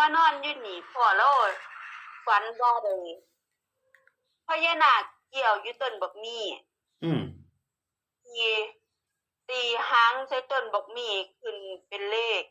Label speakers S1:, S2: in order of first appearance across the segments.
S1: านอนอยู่นี่พ่อแล้วฝันว่าได้พญานาคเกี่ยวอยู่ต้นบักมี่
S2: อืม
S1: ตีตีหางใส่ต้นบักมี่ขึ้นเป็นเลข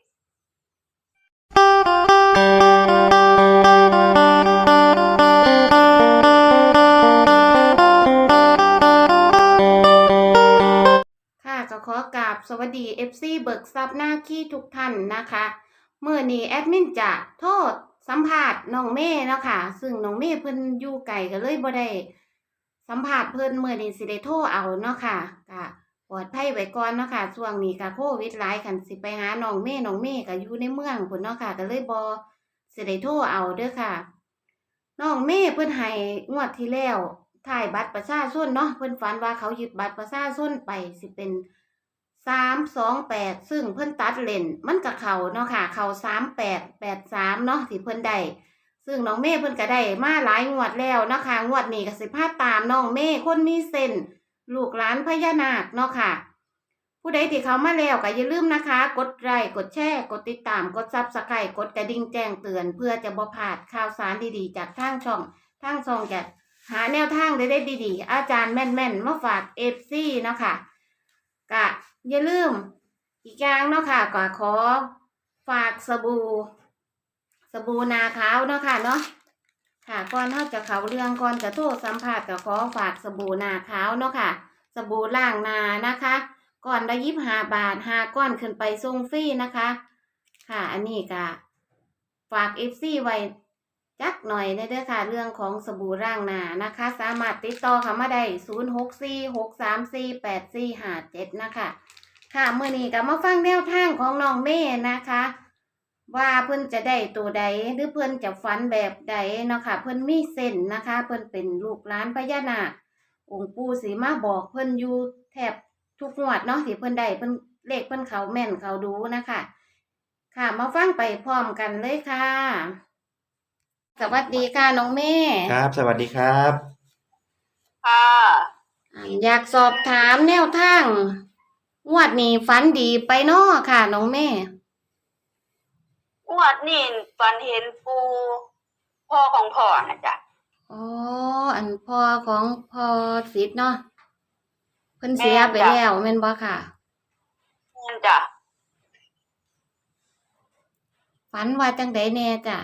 S3: ค่ะก็ขอกราบสวัสดี FC เบิกทรัพย์หน้าขี้ทุกท่านนะคะเมื่อนี้แอดมินจะโทษสัมภาษณ์น้องเม่เนาะค่ะซึ่งน้องเม่เพิ่นอยู่ไกลก็เลยบ่ได้สัมภาษณ์เพิ่นเมื่อนี้สิได้โทรเอาเนาะค่ะก็ปลอดภัยไว้ก่อนเนาะค่ะช่วงนี้ก็โควิดหลายคันสิไปหาน้องเม่ก็อยู่ในเมืองพุ่นเนาะค่ะก็เลยบ่สิได้โทรเอาเด้อค่ะน้องเม่เพิ่นให้งวดที่แล้วถ่ายบัตรประชาชนเนาะเพิ่นฝันว่าเขายึดบัตรประชาชนไปสิเป็น328ซึ่งเพิ่นตัดเลนมันกับเขาเนาะค่ะเขา3883เนาะที่เพิ่นได้ซึ่งน้องเมย์เพิ่นก็ได้มาหลายงวดแล้วเนาะค่ะงวดนี้ก็สิพาตามน้องเมย์คนมีเส้นลูกหลานพญานาคเนาะค่ะผู้ใดที่เขามาแล้วก็อย่าลืมนะคะกดไลค์กดแชร์กดติดตามกดซับสไครต์กดกระดิ่งแจ้งเตือนเพื่อจะบ่พลาดข่าวสารดีๆจากทางช่องจะหาแนวทางได้ดีๆอาจารย์แม่นๆมาฝาก FC เนาะค่ะก็อย่าลืมอีกอย่างเนาะค่ะก็ขอฝากสบู่นาขาวเนาะค่ะเนาะค่ะก่อนเราจะเข้าเรื่องก่อนจะโทรสัมภาษณ์ก็ขอฝากสบู่นาขาวเนาะค่ะสบู่ล้างหน้านะคะก่อนละ25 บาท5ก้อนขึ้นไปส่งฟรีนะคะค่ะอันนี้ก็ฝาก FC ไว้จักหน่อยเด้อค่ะเรื่องของสบู่ล้างหน้านะคะสามารถติดต่อเข้ามาได้0646348457นะคะค่ะมื้อนี้ก็มาฟังแนวทางของน้องเมย์นะคะว่าเพิ่นจะได้ตัวใดหรือเพิ่นจะฝันแบบใดเนาะค่ะเพิ่นมีเส้นนะคะเพิ่นเป็นลูกหลานพญานาคองค์ปู่สิมาบอกเพิ่นอยู่แทบทุกงวดเนาะที่เพิ่นได้เพิ่นเลขเพิ่นเขาแม่นเขาดูนะคะค่ะมาฟังไปพร้อมกันเลยค่ะสวัสดีค่ะน้องเมย์
S2: ครับสวัสดีครับ
S1: ค่ะ
S3: อยากสอบถามแนวทางงวดนี้ฝันดีไปเนาะค่ะน้องเมย์
S1: งวดนี้ฝันเห็นปูพ่อของพ่อนะจ๊ะ
S3: อ๋ออันพ่อของพ่อสิทธิ์เนาะเพิ่น
S1: แม่
S3: เสีย
S1: นจ้ะ
S3: ไปแล้วแม่นบ่ค่ะ
S1: แม่นจ้ะ
S3: ฝันว่าจังไดแน่จ้ะ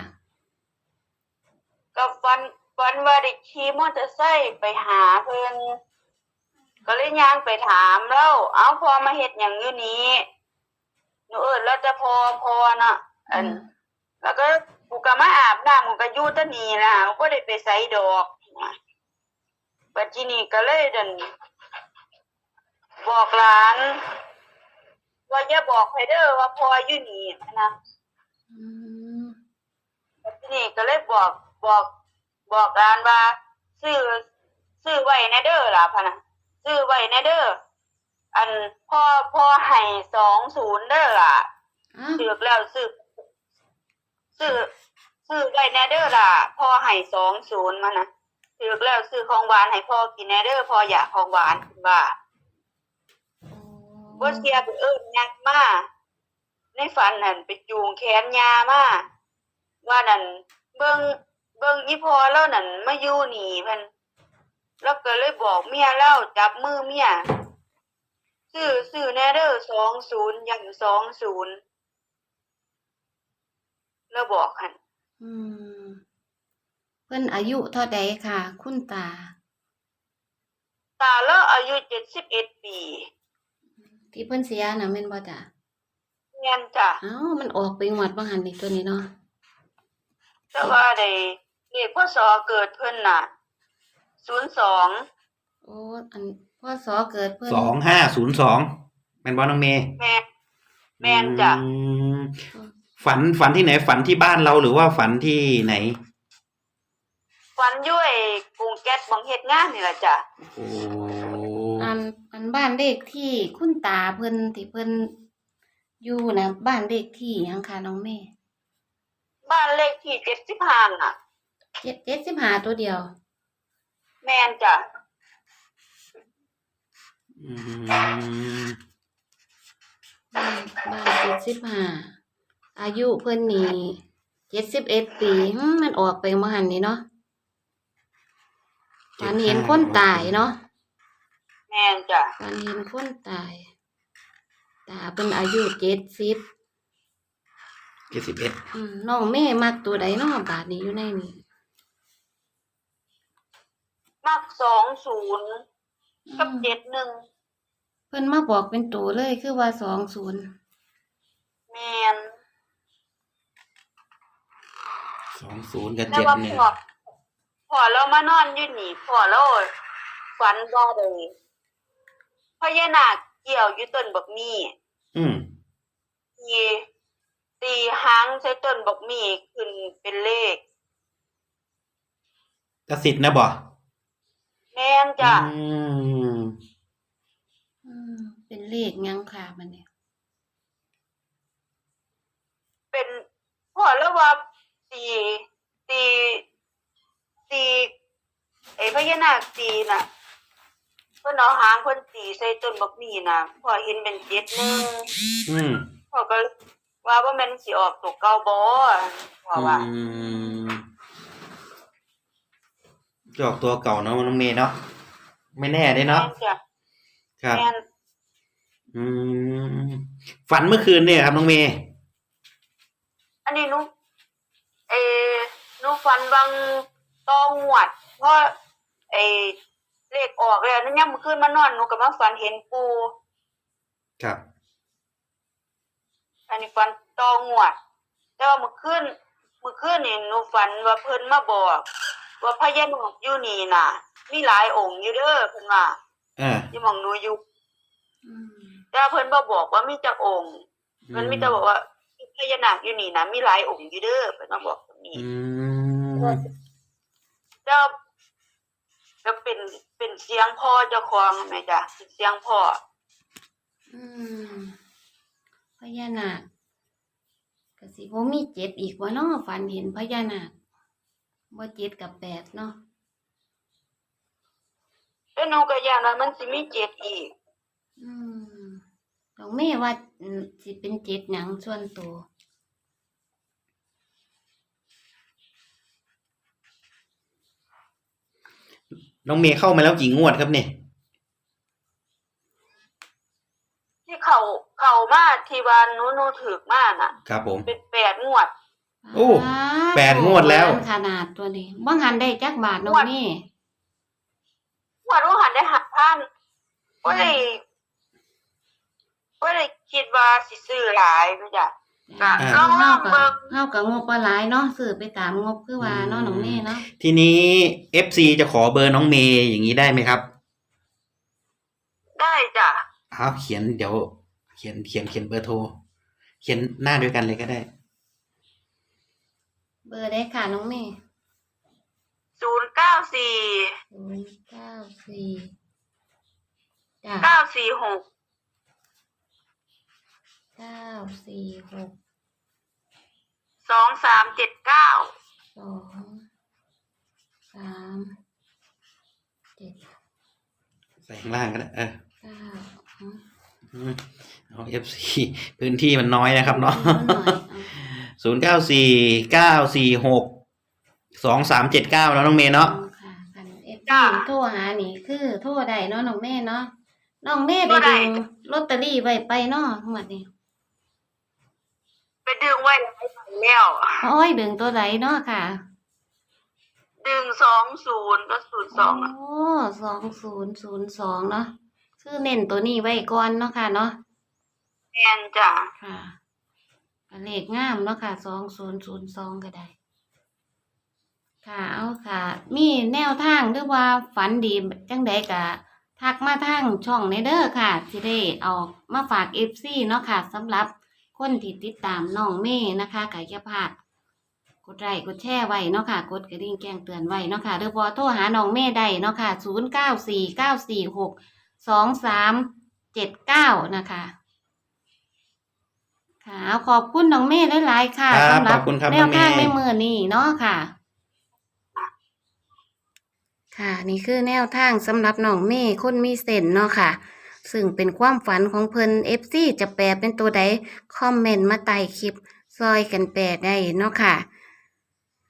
S1: ก็ฝันว่าได้ขี่มอเตอร์ไซค์ไปหาเพิ่นก็เลยย่างไปถามแล้วเอาพ่อมาเฮ็ดหยังอยู่นี้หนูแล้วจะพอน่ะอันแล้วก็กูก็มาอาบน้ำกูก็อยู่แตะนี่ล่ะกูก็ได้ไปไสดอกนะบัดทีนี้ก็เลยดันบอกหลานว่าอย่าบอกไผเด้อว่าพ่ออยู่นี่นะ
S3: อืม
S1: ทีนี้ก็เลยบอกร้านว่าซื้อไว้ในเด้อล่ะพะนะซื้อไว้ในเด้ออันพ่อให้20เด้อล่ะ
S3: อ้าว
S1: ถือแล้วซื้อซื้อไว้ในเด้อล่ะพ่อให้20มานะถือแล้วซื้อของหวานให้พ่อกินในเด้อพ่ออยากของหวานว่าบ่เสียไปยักมาในฝันนั่นไปจูงแขนยามาว่านั่นเบิ่งอีพ่อแล้วนั่นมาอยู่นี่เพิ่นแล้วก็เลยบอกเมียแล้วจับมือเมียซื้อแน่เด้อ20อย่าง20แล้วบอกหั่น
S3: อืมเพิ่นอายุเท่าใดค่ะ คุณตา
S1: ตาแล้วอายุ71ปี
S3: ที่เพิ่นเสียน่ะแม่นบ่จ้ะ
S1: แม่นจ้ะ
S3: อ้าวมันออกไปงวดบ่หันนี่ตัวนี้เนาะ
S1: แต่ว่าได้เลขพศเกิดเพิ่นน่ะ02
S3: โอ้อันพศเกิดเพิ่น
S2: 2502แม่นบ่น้องเมย์
S1: แม่นจ้ะ
S2: อืมฝันที่ไหนฝันที่บ้านเราหรือว่าฝันที่ไหน
S1: ฝันอยู่ไอ้กรุงแก๊สบังเฮ็ดงานนี่ล่ะจ้ะ
S2: โอ้
S3: อันบ้านเลขที่คุณตาเพิ่นที่เพิ่นอยู่นะบ้านเลขที่หยังค่ะน้องเมย์
S1: บ้านเลขที่75น่ะ
S3: 75ตัวเดียว
S1: แม่นจ้ะ
S2: อืม
S3: บ้าน75อายุเพิ่นนี่ 71 ปีมันออกไปเมื่อหันนี่เนาะฝันเห็นคนตายเนาะ
S1: แม่นจ้ะ
S3: ฝันเห็นคนตายตาเป็นอายุ70
S2: 71
S3: น้องแม่มักตัวใดเนาะบาดนี้อยู่ในนี้
S1: มัก20กับ71
S3: เพิ่นมาบอกเป็นตัวเลยคือว่า20
S1: แม่น
S2: 20กับ
S1: แต่ว่า
S2: 71
S1: พ่อเรามานอนอยู่นี่พ่อเราฝันว่าได้พญานาคเกี่ยวอยู่ต้นบักมี่
S2: อืม
S1: ตีหางใส่ต้นบักมี่ขึ้นเป็นเลข
S2: กสิทธิ์นะบ่
S1: แม่นจ้ะ
S3: เป็นเลขหยังค่ะมันเนี่ย
S1: เป็นพ่อแล้วว่าตีไอ้พญานาคตีน่ะเพิ่นเอาหางเพิ่นตีใส่ต้นบักมี่น่ะพ่อเห็นเป็น71
S2: อืม
S1: พ่อก็ว่าแม่นสิออกตัวเก่าบ่พ่อว่า
S2: จะออกตัวเก่าเนาะน้องเมย์เนาะไม่แน่เด้เนาะ
S1: แม่นจ้ะ
S2: ครับ
S1: แม่น
S2: ฝันเมื่อคืนเนี่ยครับน้องเมย์
S1: อันนี้หนูฝันบางตองหวด เพราะเลขออกแล้วนั่นยามมื้อคืนมานอนหนูก็มาฝันเห็นปู่
S2: ครับ
S1: อันนี้ฝันตองหวด แต่ว่ามื้อคืนนี่หนูฝันว่าเพิ่นมาบอก ว่าพญานาคอยู่นี่น่ะ มีหลายองค์อยู่เด้อเพิ่นว่าอยู่หม้องหนูอยู่แต่ว่าเพิ่นบ่บอกว่ามีจักองค์เพิ่นมีแต่บอกว่าพญานาคอยู่นี่นะมีหลายองค์อยู่เด้อเพิ่นมาบอกตรงนี้แล้วก็เป็นเสียงพ่อเจ้าของแม่จ้ะเป็นเสียงพ่อ
S3: พญานาคก็สิบ่มี7อีกว่าเนาะฝันเห็นพญานาคบ่7กับ8เนาะ
S1: แล้วหนูก็ย้านว่ามันสิมี7อีก
S3: น้องแม่ว่าสิเป็น7หยังส่วนตัว
S2: น้องเมย์เข้ามาแล้วกี่งวดครับเนี่ย
S1: ที่เข้ามาที่ว่าหนูถูกมาน่ะ
S2: ครับผม
S1: เป็น8งวด
S2: โอ้8งวดแล้ว
S3: ขนาดตัวนี้บ่หันได้จักบาทน้องแม่
S1: งวดว่าหันได้หักพันบ่ได้คิดว่าสิซื้อหลายแม่จ้ะก็ลองเบิ่ง
S3: เฮาก็งบบ่หลายเนาะซื้อไปตามงบคือว่าเนาะน้องแม่เนาะ
S2: ทีนี้ FC จะขอเบอร์น้องเมย์อย่างนี้ได้ไหมครับ
S1: ได้จ้ะ
S2: เขียนเดี๋ยวเขียนเบอร์โทร เขียนหน้าด้วยกันเลยก็ได้
S3: เบอร์ได้ค่ะน้องแม่
S1: 094
S3: 094จ้ะ
S1: 946
S3: 946
S1: 2379
S3: 237
S2: ใส่ข้างล่างก็ได้
S3: 9
S2: เอา FC พื้นที่มันน้อยนะครับเนาะ 0949462379แล้วน้องเมย์เนาะ
S3: ค่ะกันโทรหานี่คือโทรได้เนาะน้องแม่เนาะน้องแม่ได้ดึงลอตเตอรี่ไว้ไปเนาะหมดนี่
S1: ไปดึงไว้หลายใบแล้ว
S3: โอ้ยดึงตัวไหนเนาะค่ะ
S1: ดึง20ก็02
S3: โอ้2002เนาะคือเน้นตัวนี้ไว้ก่อนเนาะค่ะเนาะ
S1: แม่นจ้ะ
S3: ค่ะก็เลขงามเนาะค่ะ2002ก็ได้ค่ะเอาค่ะ มีแนวทางหรือว่าฝันดีจังใดก็ทักมาทางช่องในเด้อค่ะสิได้เอามาฝาก FC เนาะค่ะสำหรับคนที่ติดตามน้องเมย์นะคะก็อย่าพลาดกดไลค์กดแชร์ไว้เนาะค่ะกดกระดิ่งแจ้งเตือนไว้เนาะค่ะหรือบ่โทรหาน้องเมย์ได้เนาะค่ะ0949462379นะคะค่ะขอบคุณน้องเมย์หลายๆค่ะ
S2: ครับ
S3: สำหรั
S2: ขอบคุณครับ
S3: แนวทาง
S2: น้องเมย์
S3: ในมื้อนี้เนาะค่ะ ค่ะนี่คือแนวทางสำหรับน้องเมย์คนมีเส้นเนาะค่ะ ซึ่งเป็นความฝันของเพิ่น FC จะแปลเป็นตัวใดคอมเมนต์มาใต้คลิปซอยกันแปลได้เนาะค่ะ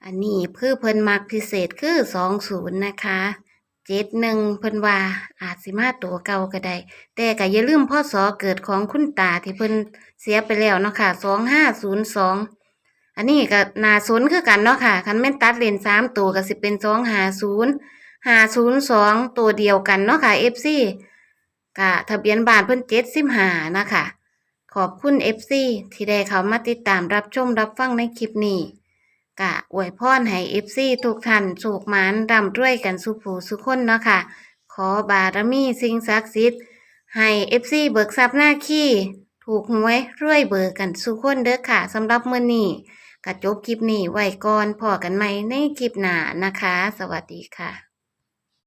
S3: อันนี้คือเพิ่นมักพิเศษคือ20นะคะ71เพิ่นว่าอาจสิมาตัวเก่าก็ได้แต่ก็อย่าลืมพศเกิดของคุณตาที่เพิ่นเสียไปแล้วเนาะค่ะ2502อันนี้ก็น่าสนคือกันเนาะค่ะคันแม่นตัดเลน3ตัวก็สิเป็น250 502ตัวเดียวกันเนาะค่ะ FC ก็ทะเบียนบ้านเพิ่น75นะคะขอบคุณ FC ที่ได้เข้ามาติดตามรับชมรับฟังในคลิปนี้ก็อวยพรให้ FC ทุกท่านโชคหมานร่ำรวยกันสุขผู้สุขคนเนาะค่ะขอบารมีสิ่งศักดิ์สิทธิ์ให้ FC เบิกทรัพย์หน้าขี้ถูกหวยรวยเบิกกันสุขคนเด้อค่ะสำหรับมื้อนี้ก็จบคลิปนี้ไว้ก่อนพอกันใหม่ในคลิปหน้านะคะ สวัสดีค่ะ